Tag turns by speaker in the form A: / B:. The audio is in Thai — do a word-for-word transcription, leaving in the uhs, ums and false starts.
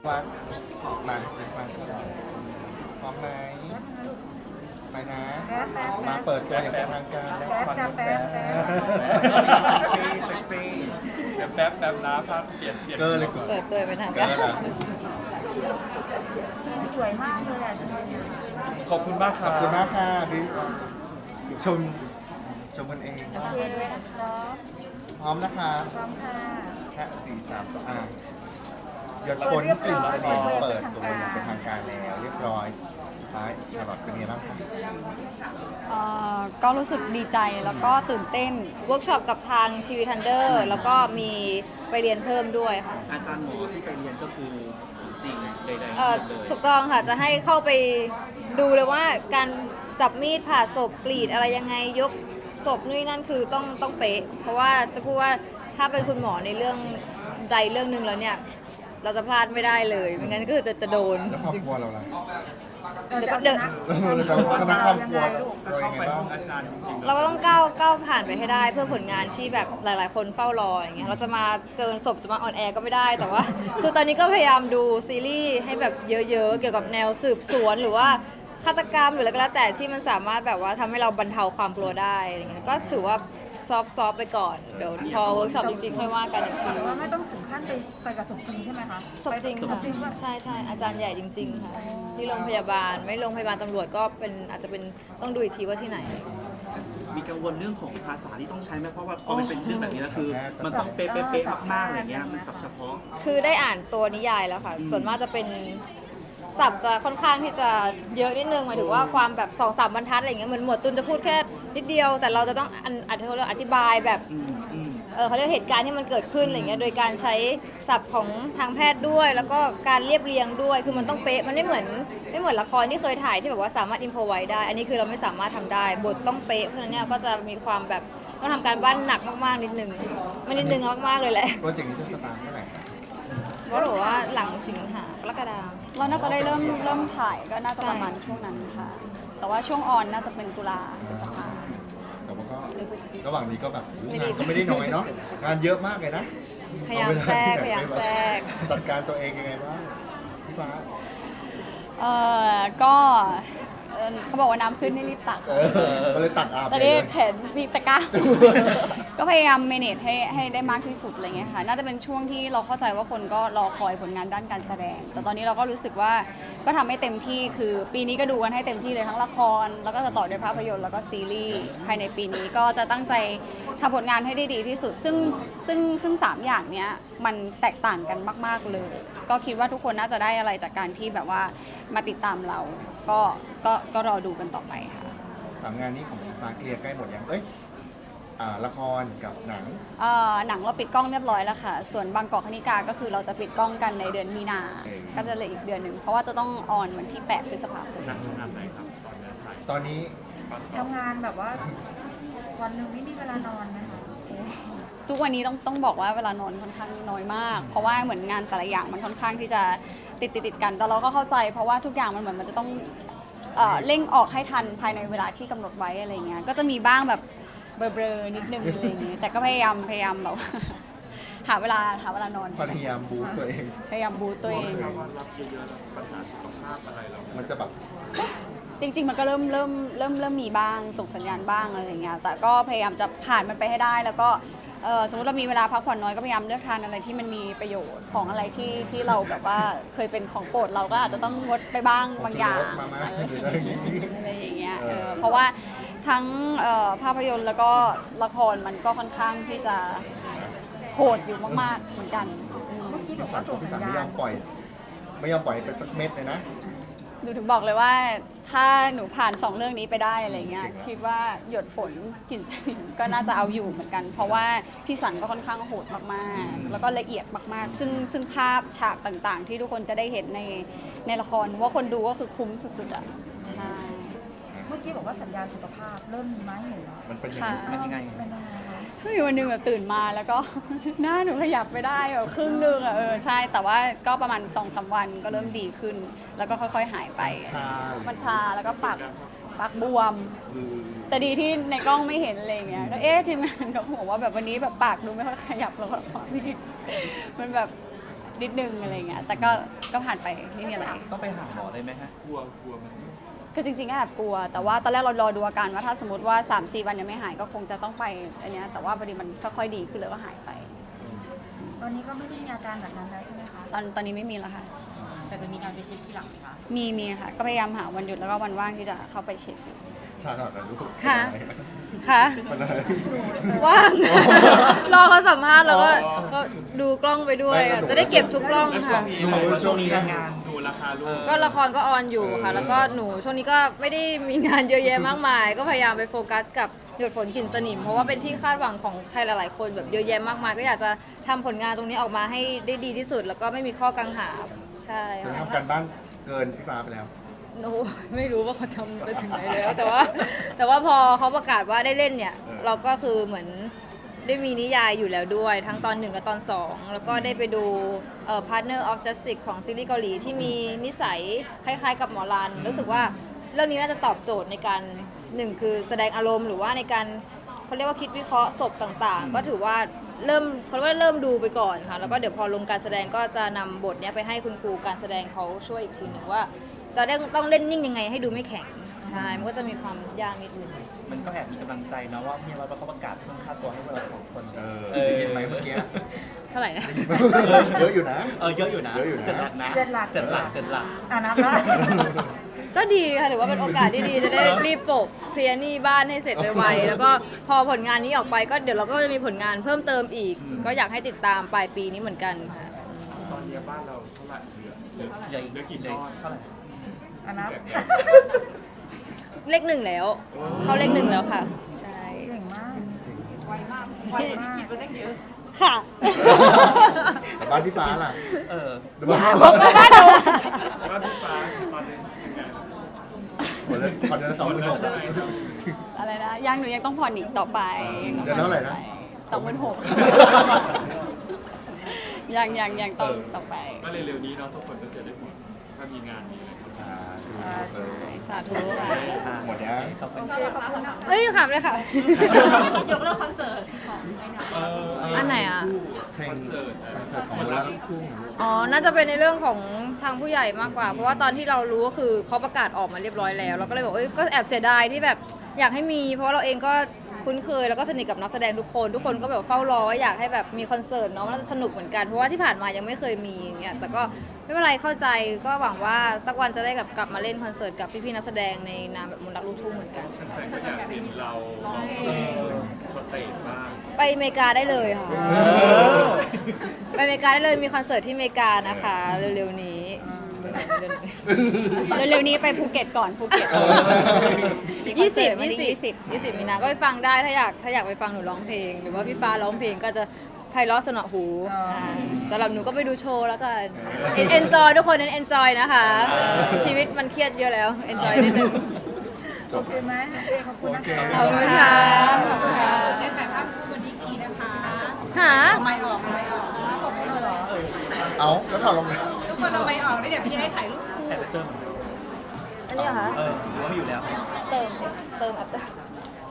A: วัดมาเป็นฟันสลอดพร้อมไหมไปนะ
B: แป๊บแป๊บ
A: มาเปิดตัวอย่างเป็นทางการแล้ว
B: แป๊บจะแป๊บแป๊บ
A: เซ็กซี่
C: เดี๋ยวแป๊บแป๊บนะภาพเปลี่ยนเปลี่ยน
A: เกินเลยกู
D: เปิดตัวเป็นทาง
A: เกิ
D: กาน ร
A: แล้ว
B: สวยมากเลยอ่ะ
C: ขอบคุณมากค
A: ข
C: รั
A: อ
C: บบ
A: คุณมากค่ะพี่ชมชมกันเอง
B: โอเคด้วยนะครับ
A: พร้อมนะคะ
B: พร้อมค่ะ
A: แค่สี่สามสองอ่ะหยดฝนกลิ่นเสน่ห์เปิดตัวอย่างเป็นทางการแล้วเรียบร้อยท้ายชาลอตเป็นไงบ้างคะ
D: เอ่อก็รู้สึกดีใจแล้วก็ตื่นเต้นเวิร์กช็อปกับทางทีวีทันเดอร์แล้วก็มีไปเรียนเพิ่มด้วยค่ะ
E: อาจารย์หมอที่ไปเรียนก็คือของจริงใดๆ
D: เอ่อ
E: เลย
D: ถูกต้องค่ะจะให้เข้าไปดูเลยว่าการจับมีดผ่าศพกรีดอะไรยังไงยกศพนู่นนั่นคือต้องต้องเป๊ะ เพราะว่าจะพูดว่าถ้าเป็นคุณหมอในเรื่องใดเรื่องหนึ่งแล้วเนี่ยเราจะพลาดไม่ได้เลยไม่งั้นก็คือจะจะโดน
A: แล้วครอบครัวเราล่ะ
D: เดี๋ยวก็เดิน
A: เราจะชนะครอบครัวเรา
C: เข้า
A: ยัง
C: ไป
A: ไงบ้า
C: ห้อง งอาจารย์จริงๆ
D: เราก็ต้องก้าวก้าวผ่านไปให้ได้เพื่อผลงานที่แบบหลาย ๆ คนเฝ้ารออย่างเงี้ยเราจะมาเจอศพจะมาออนแอร์ก็ไม่ได้แต่ว่า คือตอนนี้ก็พยายามดูซีรีส์ให้แบบเยอะ ๆ เกี่ยวกับแนวสืบสวนหรือว่าฆาตกรรมหรืออะไรก็แล้วแต่ที่มันสามารถแบบว่าทำให้เราบรรเทาความกลัวได้อะไรเงี้ยก็ถือว่าซอฟซอฟไปก่อนเดี๋ยวพอเวิร์กช็อปจริง ๆ ค่อยว่ากันอีกที
B: แต่ว่าไม่ต้องถึงขั้นไปไปกับศพจริงใช่ไหมคะ
D: ศพจริง
B: ศ
D: ค่ะ
B: พจริงว่า
D: ใช่ใช่อาจารย์ใหญ่จริง ๆ ค่ะ ที่โรงพยาบาลไม่โรงพยาบาลตำรวจก็เป็นอาจจะเป็นต้องดูอีกทีว่าที่ไหน
E: มีกังวลเรื่องของภาษาที่ต้องใช้ไหมเพราะว่าพอมันเป็นเรื่องแบบนี้แล้วคือ มันต้องเป๊ะๆๆมากๆอะไรเงี้ยมันศัพท์เฉพาะ
D: คือได้อ่านตัวนิยายแล้วค่ะ ส่วนมากจะเป็นศัพท์จะค่อนข้างที่จะเยอะนิดนึงหมายถึงว่าความแบบสองสามบรรทัดอะไรอย่างเงี้ยเหมือนหมวดตุนจะพูดแค่นิดเดียว แต่เราจะต้องอันอธิอธิบายแบบ
E: อืมอืม
D: เออเขาเรียกเหตุการณ์ที่มันเกิดขึ้นอะไรเงี้ยโดยการใช้ศัพท์ของทางแพทย์ด้วย แล้วก็การเรียบเรียงด้วย คือมันต้องเป๊ะมันไม่เหมือนไม่เหมือนละครที่เคยถ่ายที่แบบว่าสามารถอินโพไว้ได้ อันนี้คือเราไม่สามารถทำได้บทต้องเป๊ะเพราะฉะนั้นเนี่ยก็จะมีความแบบต้องทำการบ้านหนักมากๆนิดนึงไม่นิดนึงมากๆเลยแหละ
A: โปรเจกต์นี้จะสตาร์ทเมื่อไหร่
D: เพราะบอกว่าหลังสิงหากรกฎาคม
F: เราน่าจะได้เริ่มเริ่มถ่ายก็น่าจะประมาณช่วงนั้นค่ะ แต่ว่าช่วงออนน่าจะเป็นตุลาพฤษภา
A: แต่ว่าก็
F: หรือพฤศจิกา
A: ระหว่างนี้ก็แบบงานก็ไม่ได้น้อยเนาะงานเยอะมากเลยนะ
D: พยายามแทรกพยายามแทรก
A: จัดการตัวเองยังไงบ้างพี่ฟ้า
F: เอ่อก็เอ่อเขาบอกว่าน้ำขึ้นให้รีบตัก
A: เออก็เลยตักอาบ
F: ตอน
A: เล
F: นี้
A: ย
F: แขนมีตะกร้า ก็พยายามเมเนจให้ให้ได้มากที่สุดอะไรเงี้ยค่ะ น่าจะเป็นช่วงที่เราเข้าใจว่าคนก็รอคอยผลงานด้านการแสดง แต่ตอนนี้เราก็รู้สึกว่าก็ทำให้เต็มที่คือปีนี้ก็ดูกันให้เต็มที่เลยทั้งละคร แล้วก็จะต่อด้วยภาพยนตร์แล้วก็ซีรีส์ภายในปีนี้ก็จะตั้งใจทำผลงานให้ได้ดีที่สุด ซึ่งซึ่งซึ่งสามอย่างเนี้ยมันแตกต่างกันมาก ๆเลย ก็คิดว่าทุกคนน่าจะได้อะไรจากการที่แบบว่ามาติดตามเรา ก็ก็ก็รอดูกันต่อไปค่ะ
A: สามงานนี้ของพี่ฟ้าเคลียร์ใกล้หมดยังเอ้ยอ่าละครกับหนัง
F: เอ่อหนังเราปิดกล้องเรียบร้อยแล้วค่ะ ส่วนบางกอกคณิกาก็คือเราจะปิดกล้องกันในเดือนมีนา
A: เออ
F: ก็จะเหลืออีกเดือนหนึ่ง เพราะว่าจะต้องออนวันที่ แปด พฤษภาคม
C: หนังงานไหนครับตอนนี้ถ่าย
A: ตอนนี้
B: ทำงานแบบว่าวันหนึ่งไม่มีเวลานอนนะคะ
F: ทุกวันนี้ต้องต้องบอกว่าเวลานอนค่อนข้างน้อยมาก เพราะว่าเหมือนงานแต่ละอย่างมันค่อนข้างที่จะติดติดติดกัน แต่เราก็เข้าใจ เพราะว่าทุกอย่างมันเหมือนมันจะต้องเอ่อเร่งออกให้ทันภายในเวลาที่กำหนดไว้อะไรเงี้ย ก็จะมีบ้างแบบเบลอๆนิดนึงอะไรเงี้ย แต่ก็พยายามพยายามแบบว่า หาเวลาหาเวลานอน
A: พยายามบูสต์ตัวเอง
F: พยายามบูตตัวเอง
C: ถ้าว่ารับเยอะๆแล้วปัญหาสุขภาพอะไรเรา
A: มันจะแบบ
F: จริงๆ มันก็เริ่มเริ่มเริ่มเริ่มมีบ้างส่งสัญญาณบ้างอะไรอย่างเงี้ย แต่ก็พยายามจะผ่านมันไปให้ได้ แล้วก็เอ่อสมมติเรามีเวลาพักผ่อนน้อยก็พยายามเลือกทานอะไรที่มันมีประโยชน์ของอะไรที่ที่เราแบบว่าเคยเป็นของโปรดเราก็อาจจะต้องงดไปบ้างบางอย่าง
A: มามา
F: อะไร
A: หรืออะไรอย่างงี้
F: อะไรอย่างเงี้ย
A: เออ
F: เออเพราะว่าทั้งเอ่อภาพยนตร์แล้วก็ละครมันก็ค่อนข้างที่จะโหดอยู่มากๆเหมือนกันอืม
B: ที่บอ
A: พี่
B: ก
A: สั
B: ว่าน ส่ง
A: พี่
B: สั
A: สัน
B: ญ
A: ไม่ย
B: ญา
A: อ
B: ณ
A: มปล่อย ไม่ยอมปล่อยไปสักเม็ดเลยนะ
F: หนูถึงบอกเลยว่าถ้าหนูผ่านสองเรื่องนี้ไปได้อะไรเงี้ยคิดว่าหยดฝนกลิ่นสนิมก็น่าจะเอาอยู่เหมือนกัน เพราะว่าพี่สันก็ค่อนข้างโหดมากๆ แล้วก็ละเอียดมากๆ ซึ่งซึ่งภาพฉากต่างๆ ที่ทุกคนจะได้เห็นในในละครว่าคนดูก็คือคุ้มสุดๆอ่ะใช่
B: เมื่อกี้บอกว่าสัญญาณสุขภาพเริ่มมีไหมเห็นแล้ว
A: มันเป็นยัง
F: ค่ะ
A: ไง
E: มันยังไง
B: เป็นยังไงคะ
F: คือมีวันหนึงแบบตื่นมาแล้วก็ หน้าหนูขยับไม่ได้แบบครึ่งหนึงอ่ะเออใช่ แต่ว่าก็ประมาณสองสามวันก็เริ่มดีขึ้น แล้วก็ค่อยๆหายไป
A: ชา
F: มันชาแล้วก็ปากปากบวม
A: คือ
F: แต่ดีที่ในกล้องไม่เห็นอะไรเงี้ย ก็เอ๊ะทีมงานก็บอกว่าแบบวันนี้แบบปากดูไม่ค่อยขยับแล้วก็พี่มันแบบนิดนึงอะไรเงี้ย แต่ก็ก็ผ่านไปไม่มีอะไร
E: ต้องไปหาหมอเลยไหมฮะ
C: กลัวกลัวมัน
F: คือจริงๆก็แอบกลัว แต่ว่าตอนแรกเรารอดูอาการว่าถ้าสมมติว่า สามสี่ วันยังไม่หายก็คงจะต้องไปอันเนี้ยแต่ว่าพอดีมันค่อยๆดีขึ้นแล้วก็หายไป
B: ตอนนี้ก็ไม่ได้มีอาการแบบนั้นแล้วใช่ไหมคะ
F: ตอนตอนนี้ไม่มีแล้วค่ะ
B: แต่จะมีการไปเช็คที่หลังไหมคะ
F: มีมีค่ะ ก็พยายามหาวันหยุดแล้วก็วันว่างที่จะเข้าไปเช็คอยู่
A: ชาหน่อยนะลูก
D: ค่ะ ค่ะ
A: มันอะไร
D: ว่าง รอเขาสัมภาษณ์แล้วก็ก็ดูกล้องไปด้วยอะจะได้เก็บทุกกล้องค่ะ
A: ดูช่วงนี้
E: งาน
C: ดูราคาลูก
D: ก็ละครก็ออนอยู่ค่ะ แล้วก็หนูช่วงนี้ก็ไม่ได้มีงานเยอะแยะมากมาย ก็พยายามไปโฟกัสกับหยดฝนกลิ่นสนิม เพราะว่าเป็นที่คาดหวังของใครหลายๆคนแบบเยอะแยะมากมาย ก็อยากจะทำผลงานตรงนี้ออกมาให้ได้ดีที่สุด แล้วก็ไม่มีข้อกังขาใช่
A: ฉัน
D: ค่ะ
A: ทำการบ้านเกินพี่ฟ้าไปแล้ว
D: โอ้ไม่รู้ว่าเขาทำไปถึงไหนแล้วแต่ว่า แต่ว่าพอเขาประกาศว่าได้เล่นเนี่ย
A: เออ
D: เราก็คือเหมือนได้มีนิยายอยู่แล้วด้วย ทั้งตอนหนึ่งและตอนสองแล้วก็ได้ไปดูเอ่อ Partner of Justice ของซีรีส์เกาหลีที่มีนิสัยคล้ายๆกับหมอรันรู้สึกว่าเรื่องนี้น่าจะตอบโจทย์ในการหนึ่งคือแสดงอารมณ์หรือว่าในการเขาเรียกว่าคิดวิเคราะห์ศพต่างๆ ก็ถือว่าเริ่มเขาเรียกว่าเริ่มดูไปก่อนค่ะแล้วก็เดี๋ยวพอลงการแสดงก็จะนำบทเนี้ยไปให้คุณครูการแสดงเขาช่วยอีกทีหนึ่งว่า จะได้ต้องเล่นนิ่งยังไงให้ดูไม่แข็ง ใช่ มันก็จะมีความยากนิดนึง
E: มันก็แอบมีกำลังใจนะว่าพี่เราเขาประกาศเพิ่มค่าตัวให้พวกเราสองคน
A: เออ
E: เออ
A: เห็นไหมเมื่อกี้
D: เท่าไหร่นะ
A: เยอะอยู่นะ
E: เออเยอะอยู่นะ
A: เยอะอยู่นะ
E: เจ็ดหลักนะ
B: เจ็ดหลัก
E: เจ็ดหลักเจ็ดหลัก
B: อ่านับแล้ว
D: ก็ดีค่ะถือว่าเป็นโอกาสที่ดีจะได้รีบโปะเคลียร์หนี้บ้านให้เสร็จไวๆแล้วก็พอผลงานนี้ออกไปก็เดี๋ยวเราก็จะมีผลงานเพิ่มเติมอีก ก็อยากให้ติดตามปลายปีนี้เหมือนกันค่ะ
C: ตอนนี้บ้านเราเท่าไหร่เหลือเหลือ
E: เหลือ
C: เหลือกี่
E: เหลื
C: ก้
E: อ
C: อน
E: เท่าไหร่
B: อ่านับ
D: เลขหนึ่งแล้ว เข้าเลขหนึ่งแล้วค่ะ ใช่
B: เก่งมาก ไวมาก ไวมากคิดว่าได้เยอะ
D: ค่ะ
A: แต่บ้านพี่ฟ้าล่ะ
E: เออ
A: ดูบ้าน
D: บ้านหนู
C: บ้านพี่ฟ้าตอนนี้เป็นไงล่ะ
A: หมดเลยคอนเดือนละสองหมื่นหก
F: อะไรนะยังหนูยังต้องผ่อนอีกต่อไป
A: เดือนละเท่าไหร่นะ
F: สองหมื่นหกยังยังยังต้องต่อไป
C: ก็เร็วๆนี้เนาะทุกคนก็จะได้หมดถ้ามีงานมีอะไรก็ได้
D: สาธุค่ะ
A: หมดยัง
E: ขอบคุณ
D: เอ้ยขำเลยค่ะ
B: ยกเลิกคอนเสิร์ตของไอ้หน่อย
D: อันไหนอ่ะ
A: เพลงคอนเสิร์ตของมูลนิธิทุ่ง
D: อ๋อ น่าจะเป็นในเรื่องของทางผู้ใหญ่มากกว่า เพราะว่าตอนที่เรารู้ก็คือเขาประกาศออกมาเรียบร้อยแล้ว เราก็เลยบอกเอ้ย ก็แอบเสียดายที่แบบอยากให้มี เพราะว่าเราเองก็คุ้นเคยแล้วก็สนิทกับนักแสดงทุกคน ทุกคนก็แบบเฝ้ารอว่าอยากให้แบบมีคอนเสิร์ตเนาะมันน่าจะสนุกเหมือนกัน เพราะว่าที่ผ่านมายังไม่เคยมีอย่างเงี้ย แต่ก็ไม่เป็นไรเข้าใจ ก็หวังว่าสักวันจะได้กลับกลับมาเล่นคอนเสิร์ตกับพี่ๆนักแสดงในนามแบบมนต์รักลูกทุ่งเหมือนกัน
C: แฟนๆก็อยากเห็นเราสองคนสเตจบ้าง
D: ไปอเมริกาได้เลยค่ะ ไปอเมริกาได้เลย มีคอนเสิร์ตที่อเมริกานะคะ เร็วๆนี้
F: เร็วๆนี้ไปภูเก็ตก่อนภูเก็ต
D: ยี่สิบ
F: วัน
D: ยี่
F: ที่
D: สิบยี่สิบมีนาก็ไปฟังได้ถ้าอยากถ้าอยากไปฟังหนูร้องเพลง หรือว่าพี่ฟ้าร้องเพลงก็จะไพเราะสนอหูาสำหรับหนูก็ไปดูโชว์แล้วกันเอนจอยทุกคนนั้นเอนจอยนะคะ ชีวิตมันเครียดเยอะแล้วเอนจอยนิดนึง
A: จบ
B: โอเคไหมโอเคขอบคุณนะคะ
D: ขอบคุณค่ะ
B: ได้ถ่ายภาพคู่วันนี้กีนะคะ
D: หา
B: เอาไม้ออกเอาไม้ออกตบเลยเหรอ
A: เอาแล้วถอดลงเลย
B: ทุกคนเอาไม้ออกได้เดี๋ยวพี่จะให้ถ่ายรูปคู่
E: แต่เติม
D: อันนี้เหรอคะ
E: เออหรือว่าไม่อยู่แล้ว
D: เติมเติมอัพเติม